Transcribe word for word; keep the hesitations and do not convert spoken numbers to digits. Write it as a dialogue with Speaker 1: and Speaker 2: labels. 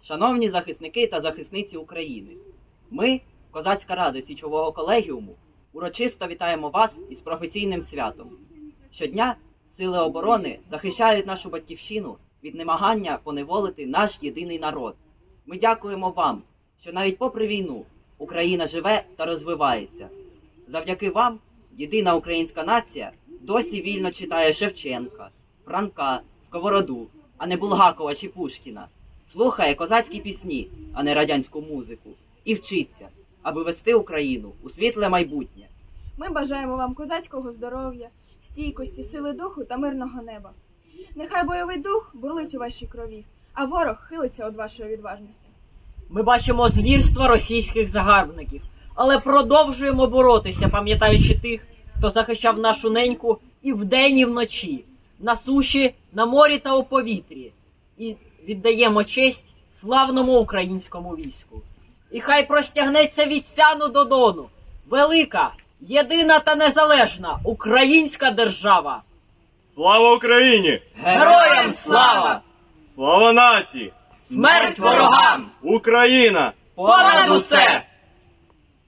Speaker 1: Шановні захисники та захисниці України, ми, Козацька Рада Січового колегіуму, урочисто вітаємо вас із професійним святом. Щодня сили оборони захищають нашу батьківщину від намагання поневолити наш єдиний народ. Ми дякуємо вам, що навіть попри війну Україна живе та розвивається. Завдяки вам єдина українська нація досі вільно читає Шевченка, Франка, Сковороду, а не Булгакова чи Пушкіна. Слухає козацькі пісні, а не радянську музику. І вчиться, аби вести Україну у світле майбутнє.
Speaker 2: Ми бажаємо вам козацького здоров'я, стійкості, сили духу та мирного неба. Нехай бойовий дух бурлить у вашій крові, а ворог хилиться від вашої відважності.
Speaker 3: Ми бачимо звірства російських загарбників, але продовжуємо боротися, пам'ятаючи тих, хто захищав нашу неньку і вдень, і вночі, на суші, на морі та у повітрі. І віддаємо честь славному українському війську. І хай простягнеться від Сяну до Дону велика, єдина та незалежна українська держава.
Speaker 4: Слава Україні!
Speaker 1: Героям слава!
Speaker 4: Слава нації!
Speaker 1: Смерть ворогам!
Speaker 4: Україна!
Speaker 1: Понад усе!